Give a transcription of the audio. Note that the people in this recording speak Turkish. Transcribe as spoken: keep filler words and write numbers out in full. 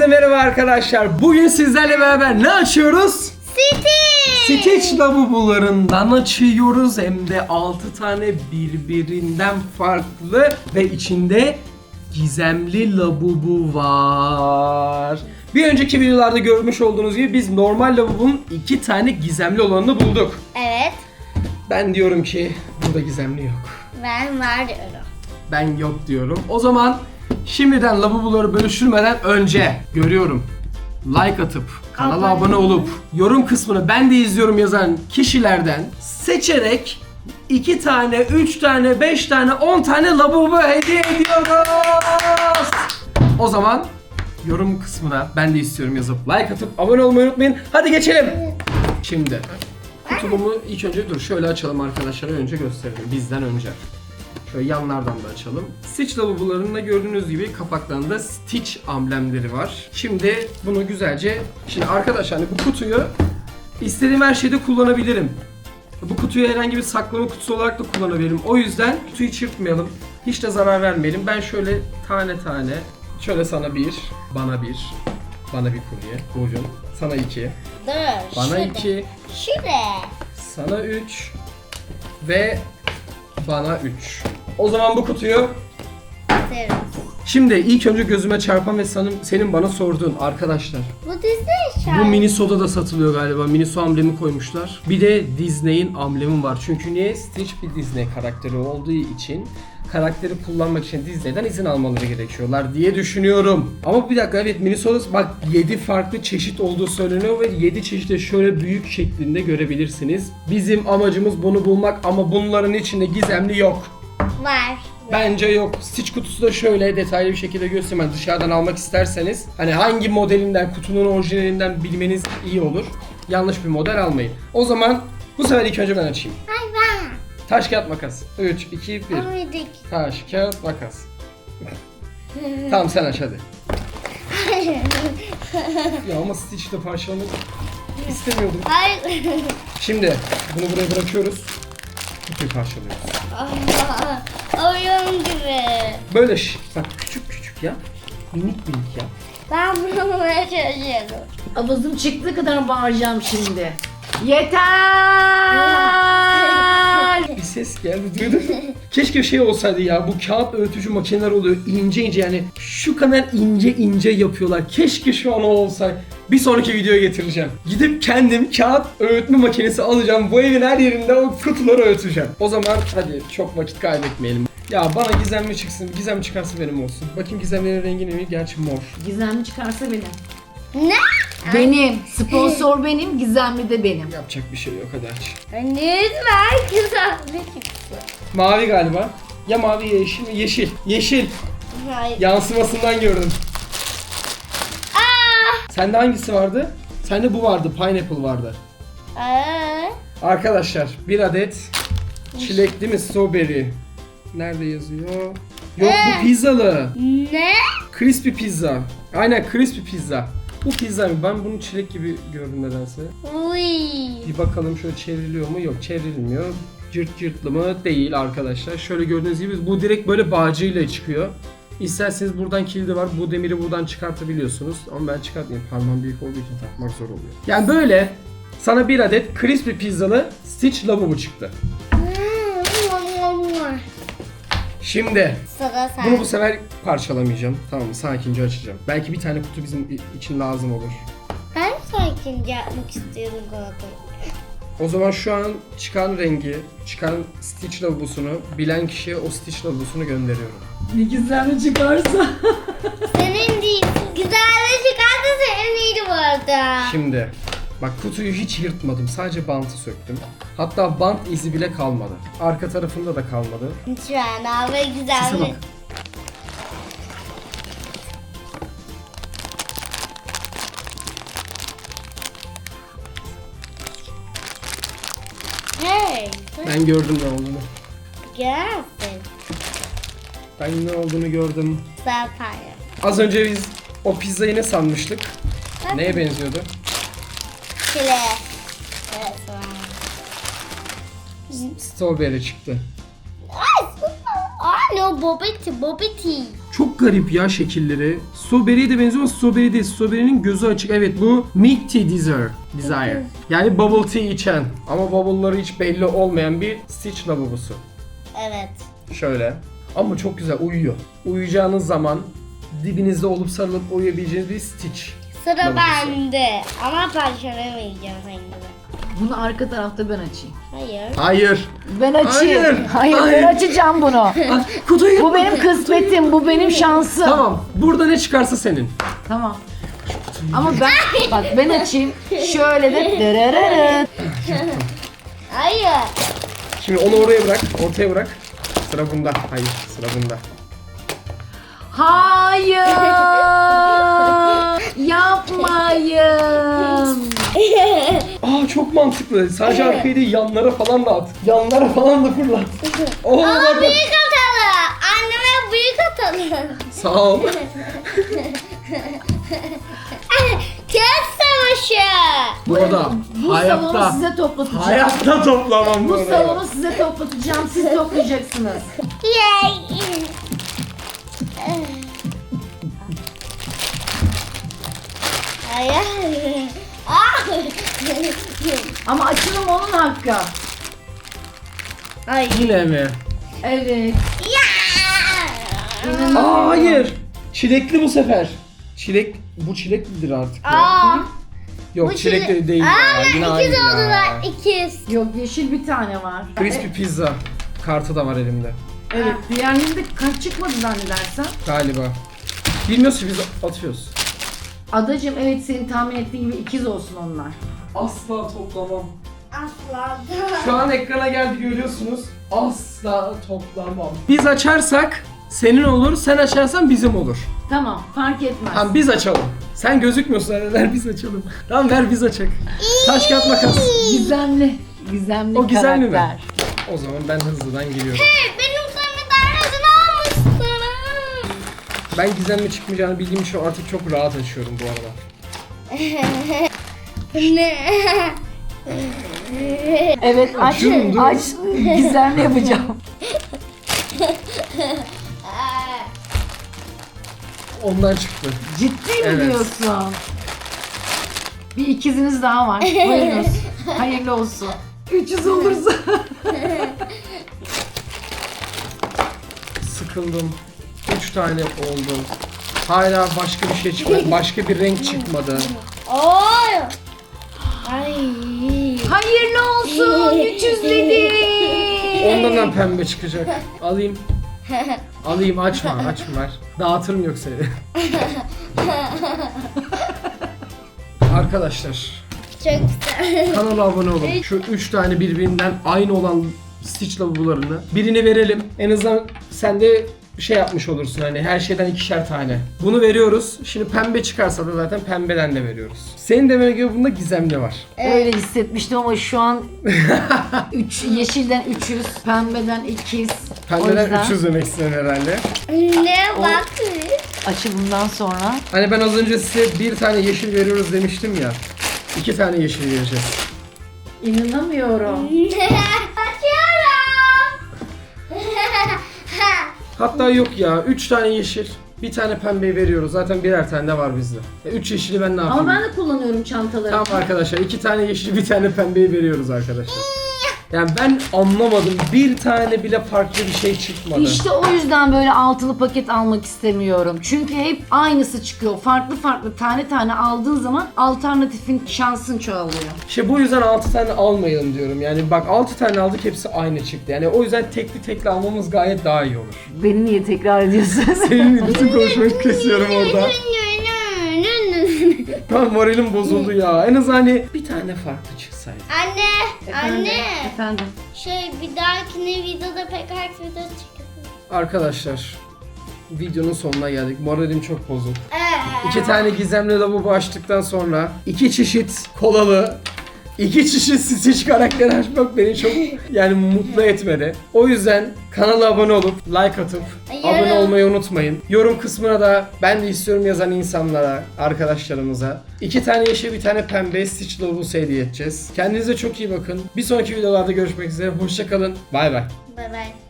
Hepinize merhaba arkadaşlar. Bugün sizlerle beraber ne açıyoruz? Stitch! Stitch lavabolarından açıyoruz. Hem de altı tane birbirinden farklı ve içinde gizemli lavabo var. Bir önceki videolarda görmüş olduğunuz gibi biz normal lavabonun iki tane gizemli olanını bulduk. Evet. Ben diyorum ki burada gizemli yok. Ben var diyorum. Ben yok diyorum. O zaman şimdiden lavaboları bölüştürmeden önce görüyorum. Like atıp, kanala Abone abone olup, yorum kısmını ben de izliyorum yazan kişilerden seçerek iki tane, üç tane, beş tane, on tane lavabo hediye ediyoruz. O zaman yorum kısmına ben de istiyorum yazıp like atıp abone olmayı unutmayın. Hadi geçelim. Şimdi kutulumu ilk önce dur şöyle açalım arkadaşlara, önce gösterelim bizden önce. Şöyle yanlardan da açalım. Stitch lavabolarında gördüğünüz gibi kapaklarında Stitch amblemleri var. Şimdi bunu güzelce... Şimdi arkadaşlar hani bu kutuyu istediğim her şeyde kullanabilirim. Bu kutuyu herhangi bir saklama kutusu olarak da kullanabilirim. O yüzden kutuyu çırpmayalım. Hiç de zarar vermeyelim. Ben şöyle tane tane, şöyle sana bir, bana bir, bana bir kurye, buyurun. Sana iki, Dur. bana şurada. iki, Şuraya. sana üç ve bana üç. O zaman bu kutuyu Atarız. şimdi ilk önce gözüme çarpan ve sanırım senin bana sorduğun arkadaşlar. Bu Disney şarkı. Bu Miniso'da da satılıyor galiba. Miniso amblemi koymuşlar. Bir de Disney'in amblemi var. Çünkü niye? Stitch bir Disney karakteri olduğu için karakteri kullanmak için Disney'den izin almaları gerekiyorlar diye düşünüyorum. Ama bir dakika, evet, Miniso'da bak yedi farklı çeşit olduğu söyleniyor ve yedi çeşit şöyle büyük şeklinde görebilirsiniz. Bizim amacımız bunu bulmak ama bunların içinde gizemli yok. Var. Bence yok. Stitch kutusu da şöyle detaylı bir şekilde göstereyim. Yani dışarıdan almak isterseniz hani hangi modelinden, kutunun orijinalinden bilmeniz iyi olur. Yanlış bir model almayın. O zaman bu sefer ilk önce ben açayım. Hayvan. Taş kağıt makas. üç, iki, bir. Amidik. Taş kağıt makas. Tamam sen aç hadi. Ya ama Stitch'te parçalamak istemiyordum. Hayır. Şimdi bunu buraya bırakıyoruz. Kutuyu parçalıyoruz. Oyun gibi. Böyle şş, bak küçük küçük ya. Minik minik ya. Ben bunu bulmaya çalışıyorum. Avazım çıktığı kadar bağıracağım şimdi. Yeter! Bir ses geldi, duydun mu? Keşke şey olsaydı ya, bu kağıt öğütücü makineler oluyor ince ince, yani şu kadar ince ince yapıyorlar. Keşke şu an o olsaydı. Bir sonraki videoya getireceğim. Gidip kendim kağıt öğütme makinesi alacağım. Bu evin her yerinde o kutuları öğüteceğim. O zaman hadi çok vakit kaybetmeyelim. Ya bana gizemli çıksın. Gizem çıkarsa benim olsun. Bakayım gizemlerin rengi ne? Gerçi mor. Gizemli çıkarsa benim. Ne? Benim. Sponsor benim, gizemli de benim. Yapacak bir şey yok, hadi aç. Lütfen güzel çıksın. Mavi galiba. Ya mavi ya yeşil mi? Yeşil. Yeşil. Hayır. Yansımasından gördüm. Aa! Sende hangisi vardı? Sende bu vardı. Pineapple vardı. Aa! Arkadaşlar bir adet çilek değil mi? Strawberry. Nerede yazıyor? Yok, bu pizzalı. Ne? Crispy pizza. Aynen, crispy pizza. Bu pizza mı? Ben bunu çilek gibi gördüm nedense. Uy. Bir bakalım şöyle çevriliyor mu? Yok, çevrilmiyor. Cırt cırtlı mı? Değil arkadaşlar. Şöyle gördüğünüz gibi bu direkt böyle bağcıyla çıkıyor. İsterseniz buradan kilidi var. Bu demiri buradan çıkartabiliyorsunuz. Ama ben çıkartmayayım. Parmağım büyük olduğu için takmak zor oluyor. Yani böyle sana bir adet crispy pizzalı Stitch lavabo çıktı. Şimdi Sıra sen. bunu bu sefer parçalamayacağım. Tamam mı? Sakince açacağım. Belki bir tane kutu bizim için lazım olur. Ben sakince yapmak istiyorum galiba. O zaman şu an çıkan rengi, çıkan Stitch lavabosunu bilen kişiye o Stitch lavabosunu gönderiyorum. Ne gizemli çıkarsa. Senin değil. Güzel çıkardı, senin iyiydi bu arada. Şimdi bak, kutuyu hiç yırtmadım. Sadece bantı söktüm. Hatta bant izi bile kalmadı. Arka tarafında da kalmadı. Şu an abi Sese güzel. bak. Hey. Ben gördüm ne olduğunu. Gelsin. Ben ne olduğunu gördüm. Zaten. Az önce biz o pizzayı ne sanmıştık? Neye benziyordu? Çile. Evet. Strawberry çıktı. Ay, ay no, bobiti, bobiti. Çok garip ya şekilleri. Strawberry'e de benziyor ama strawberry değil. Strawberry'nin gözü açık. Evet bu Milk Tea Desire. Desire. Yani bubble tea içen ama bubble'ları hiç belli olmayan bir Stitch lavabosu. Evet. Şöyle. Ama çok güzel uyuyor. Uyuyacağınız zaman dibinizde olup sarılıp uyuyabileceğiniz bir Stitch. Sıra Lavabosu. bende. Ama parçalamayacağım senin gibi. Bunu arka tarafta ben açayım. Hayır. Hayır. Ben açayım. Hayır. Hayır, Hayır. ben açacağım bunu. Ah, kutuyu Bu benim kısmetim, bu benim şansım. Tamam. Burada ne çıkarsa senin. Tamam. Ama ben bak ben açayım. Şöyle de dırırırı. Hayır. Şimdi onu oraya bırak. Ortaya bırak. Sıra bunda. Hayır. Sıra bunda. Hayır. Yapmayın. Aa çok mantıklı. Sadece arkaya değil yanlara falan da at. Yanlara falan da fırlat. Oo, Ama bak, bak. büyük atalım. Anneme büyük atalım. Sağ ol. Kağıt savaşı. Burada. Bu salonu Hayatta. size toplatacağım. Hayatta toplamam Bu bunu. salonu size toplatacağım. Siz toplayacaksınız. Yay. Hayır. Ah. Ama açılım onun hakkı. Ay. Yine mi? Evet. Ya. Aa hayır. Çilekli bu sefer. Çilek bu çileklidir artık. ya. Aa. Yok bu çilekli çile- değil Aa, ya. Yine aynı ikiz ya. oldular. İkiz. Yok yeşil bir tane var. Crispy pizza kartı da var elimde. Evet. Diğerlerinde kaç çıkmadı zannedersem. Galiba. Bilmiyoruz ki biz atıyoruz. Adacığım evet senin tahmin ettiğin gibi ikiz olsun onlar. Asla toplamam. Asla. Şu an ekrana geldi görüyorsunuz. Asla toplamam. Biz açarsak senin olur, sen açarsan bizim olur. Tamam fark etmez. Tamam biz açalım. Sen gözükmüyorsun hadi ver biz açalım. Tamam ver biz açak. Taş kağıt makas. Gizemli. Gizemli O gizemli mi? karakter. O zaman ben hızlıdan geliyorum. Benim sana darlasını almışsın. Ben gizemli çıkmayacağını bildiğim için artık çok rahat açıyorum bu arada. Ne? Evet aç. Açıyorum, dur. Aç. Gizemli yapacağım. Ondan çıktı. Ciddi mi Evet. diyorsun? Bir ikiziniz daha var. Buyurunuz. Hayırlı olsun. üç yüz olursa. Sıkıldım. Üç tane oldu. Hala başka bir şey çıkmadı. Başka bir renk çıkmadı. Oy. Ay. Hayırlı olsun. üç yüz dedi. Ondan da pembe çıkacak. Alayım. Alayım açma açma ver. Dağıtırım yoksa evi. Arkadaşlar Çok güzel. kanala abone olun. Şu üç tane birbirinden aynı olan Stitch lavabolarını birine verelim. En azından sen de şey yapmış olursun hani her şeyden ikişer tane. Bunu veriyoruz. Şimdi pembe çıkarsa da zaten pembeden de veriyoruz. Senin demene göre bunda gizemli var. Öyle hissetmiştim ama şu an üç, yeşilden üç yüz, pembeden ikiz. O Pembeden yüzden üç yüz demek istedim herhalde. Ne bak. açılımdan sonra Hani ben az önce size bir tane yeşil veriyoruz demiştim ya. İki tane yeşil vereceğiz. inanamıyorum. Açıyorum. Hatta yok ya. Üç tane yeşil. Bir tane pembeyi veriyoruz. Zaten birer tane de var bizde. E, üç yeşili ben ne yapayım? Ama ben de kullanıyorum çantaları. Tamam arkadaşlar. iki tane yeşil bir tane pembeyi veriyoruz arkadaşlar. Yani ben anlamadım. Bir tane bile farklı bir şey çıkmadı. İşte o yüzden böyle altılı paket almak istemiyorum. Çünkü hep aynısı çıkıyor. Farklı farklı tane tane aldığın zaman alternatifin şansın çoğalıyor. İşte bu yüzden altı tane almayalım diyorum. Yani bak altı tane aldık hepsi aynı çıktı. Yani o yüzden tekli tekli almamız gayet daha iyi olur. Beni niye tekrar ediyorsun? Senin bütün konuşmayı kesiyorum orada. Tamam moralim bozuldu ya. En az hani bir tane farklı çıksaydı. Anne, anne. Efendim. Şey bir dahakine videoda pek herkes video çıkıyor. Arkadaşlar videonun sonuna geldik. Moralim çok bozuk. Ee, İki tane gizemli lavabo açtıktan sonra iki çeşit kolalı, iki çeşit Stitch karakteri açmak beni çok yani mutlu etmedi. O yüzden kanala abone olup like atıp Yorum. abone olmayı unutmayın. Yorum kısmına da ben de istiyorum yazan insanlara, arkadaşlarımıza iki tane yeşil bir tane pembe Stitch lavabosu hediye edeceğiz. Kendinize çok iyi bakın. Bir sonraki videolarda görüşmek üzere. Hoşça kalın. Bay bay. Bye bye.